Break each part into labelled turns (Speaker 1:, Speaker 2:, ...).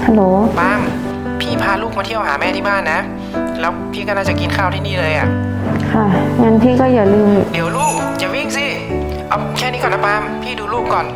Speaker 1: ฮัลโหล
Speaker 2: ปามพี่พาลูกมาเที่ยวหาแม่ที่บ้านนะแล้วพี่ก็น่าจะกินข้าวที่นี่เลยอ่ะ
Speaker 1: ค่ะงั้นพี่ก็อย่าลืม
Speaker 2: เดี๋ยวลูกอย่าวิ่งสิเอาแค่นี้ก่อนนะปามพี่ดูลูกก่อน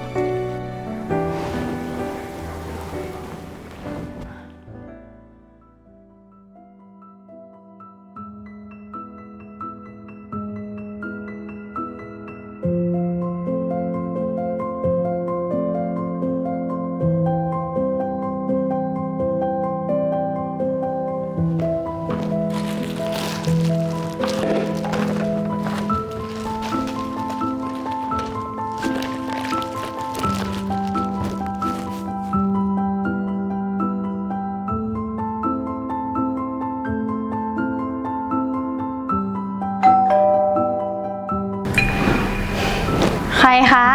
Speaker 1: ใครคะ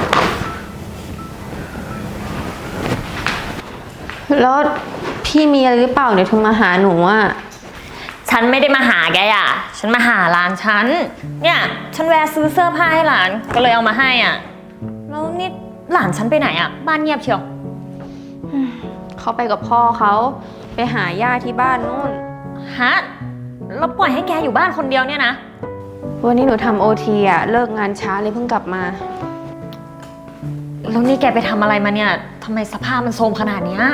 Speaker 1: แล้วพี่มีอะไรหรือเปล่าเดี๋ยวโทรมาหาหนูอ่ะ
Speaker 3: ฉันไม่ได้มาหาแกอ่ะฉันมาหาหลานฉันเนี่ยฉันแวะซื้อเสื้อผ้าให้หลานก็เลยเอามาให้อ่ะแล้วนี่หลานฉันไปไหนอ่ะบ้านเงียบเชียว
Speaker 1: เขาไปกับพ่อเขาไปหาย่าที่บ้านนู่น
Speaker 3: ฮะแล้วปล่อยให้แกอยู่บ้านคนเดียวเนี่ยนะ
Speaker 1: วันนี้หนูทำOTอ่ะเลิกงานช้าเลยเพิ่งกลับมา
Speaker 3: แล้วนี่แกไปทำอะไรมาเนี่ยทำไมสภาพมันโทรมขนาดเนี้ย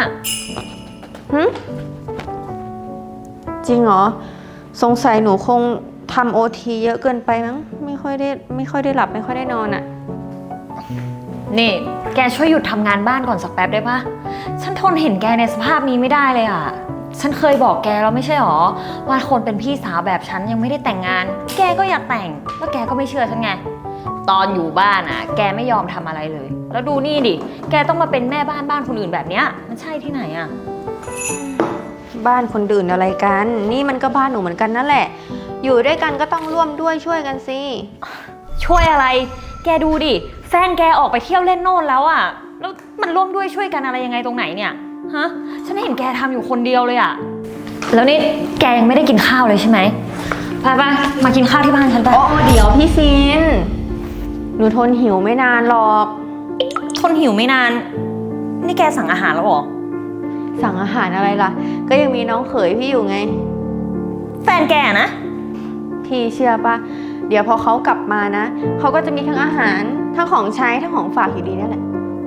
Speaker 1: จริงเหรอสงสัยหนูคงทำOTเยอะเกินไปมั้งไม่ค่อยได้หลับไม่ค่อยได้นอนอ่ะ
Speaker 3: นี่แกช่วยหยุดทำงานบ้านก่อนสักแป๊บได้ปะฉันทนเห็นแกในสภาพนี้ไม่ได้เลยอ่ะฉันเคยบอกแกแล้วไม่ใช่หรอว่าคนเป็นพี่สาวแบบฉันยังไม่ได้แต่งงานแกก็อยากแต่งแล้วแกก็ไม่เชื่อฉันไงตอนอยู่บ้านอ่ะแกไม่ยอมทำอะไรเลยแล้วดูนี่ดิแกต้องมาเป็นแม่บ้านคนอื่นแบบเนี้ยมันใช่ที่ไหนอ่ะ
Speaker 1: บ้านคนอื่นอะไรกันนี่มันก็บ้านหนูเหมือนกันนั่นแหละอยู่ด้วยกันก็ต้องร่วมด้วยช่วยกันสิ
Speaker 3: ช่วยอะไรแกดูดิแฟนแกออกไปเที่ยวเล่นโน่นแล้วอ่ะแล้วมันร่วมด้วยช่วยกันอะไรยังไงตรงไหนเนี่ยฮะฉันเห็นแกทำอยู่คนเดียวเลยอ่ะแล้วนี่แกยังไม่ได้กินข้าวเลยใช่ไหมไปมากินข้าวที่บ้านฉันไป
Speaker 1: โอ้เดี๋ยวพี่ฟินหนูทนหิวไม่นานหรอก
Speaker 3: ทนหิวไม่นานนี่แกสั่งอาหารแล้วหรอ
Speaker 1: สั่งอาหารอะไรล่ะก็ยังมีน้องเขยพี่อยู่ไง
Speaker 3: แฟนแกนะ
Speaker 1: พี่เชื่อปะเดี๋ยวพอเขากลับมานะเขาก็จะมีทั้งอาหารทั้งของใช้ทั้งของฝากอยู่ดีนั่นแหละ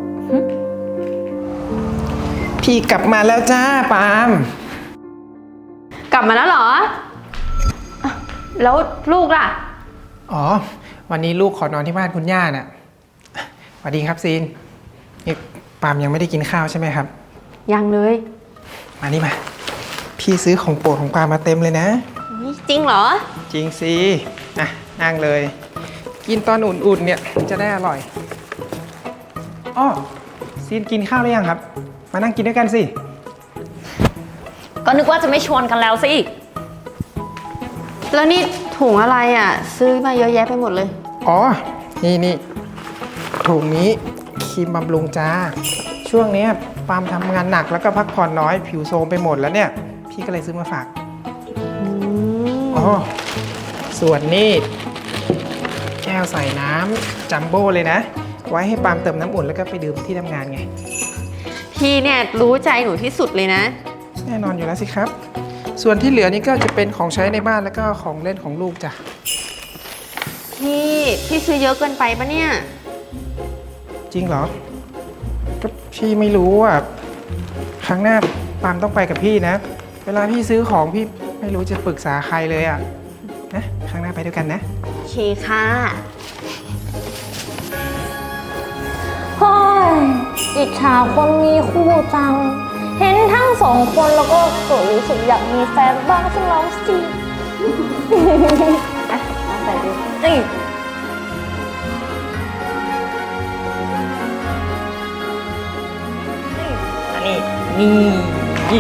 Speaker 2: พี่กลับมาแล้วจ้าปาม
Speaker 1: กลับมาแล้วเหรอแล้วลูกล่ะ
Speaker 2: อ๋อวันนี้ลูกขอนอนที่บ้านคุณย่าน่ะสวัสดีครับซีนนี่ปามยังไม่ได้กินข้าวใช่ไหมครับ
Speaker 1: ยังเลย
Speaker 2: มานี่มาพี่ซื้อของโปรดของปามมาเต็มเลยนะ
Speaker 1: จริงเหรอ
Speaker 2: จริงสินะนั่งเลยกินตอนอุ่นๆเนี่ยจะได้อร่อยอ้อซีนกินข้าวหรือยังครับมานั่งกินด้วยกันสิ
Speaker 3: ก็นึกว่าจะไม่ชวนกันแล้วสิ
Speaker 1: แล้วนี่ถุงอะไรอ่ะซื้อมาเยอะแยะไปหมดเลย
Speaker 2: อ๋อนี่ถุงนี้ครีมบำรุงจ้าช่วงนี้ปามทำงานหนักแล้วก็พักผ่อนน้อยผิวโทรมไปหมดแล้วเนี่ยพี่ก็เลยซื้อมาฝากอ๋อส่วนนี้แก้วใส่น้ำจัมโบ้เลยนะไว้ให้ปามเติมน้ำอุ่นแล้วก็ไปดื่มที่ทำงานไง
Speaker 1: พี่เนี่ยรู้ใจหนูที่สุดเลยนะ
Speaker 2: แน่นอนอยู่แล้วสิครับส่วนที่เหลือนี่ก็จะเป็นของใช้ในบ้านแล้วก็ของเล่นของลูกจ้ะ
Speaker 1: พี่ซื้อเยอะเกินไปปะเนี่ย
Speaker 2: จริงเหรอก็พี่ไม่รู้อ่ะครั้งหน้าปามต้องไปกับพี่นะเวลาพี่ซื้อของพี่ไม่รู้จะปรึกษาใครเลยอ่ะนะครั้งหน้าไปด้วยกันนะ
Speaker 1: โอเคค่ะ
Speaker 3: เฮ้ยอิจฉาคนมีคู่จังเห็นทั้งสองคนแล้วก็เกิดรู้สึกอยากมีแฟนบ้างสักแล้วสิ
Speaker 1: อ่ะมาใส่ดิ
Speaker 3: นี่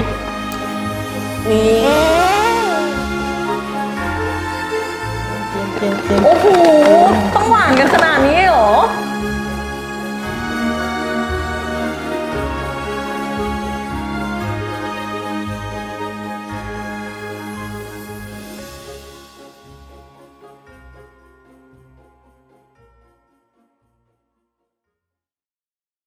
Speaker 3: โอ้โหต้องหวานกันขนาดนี้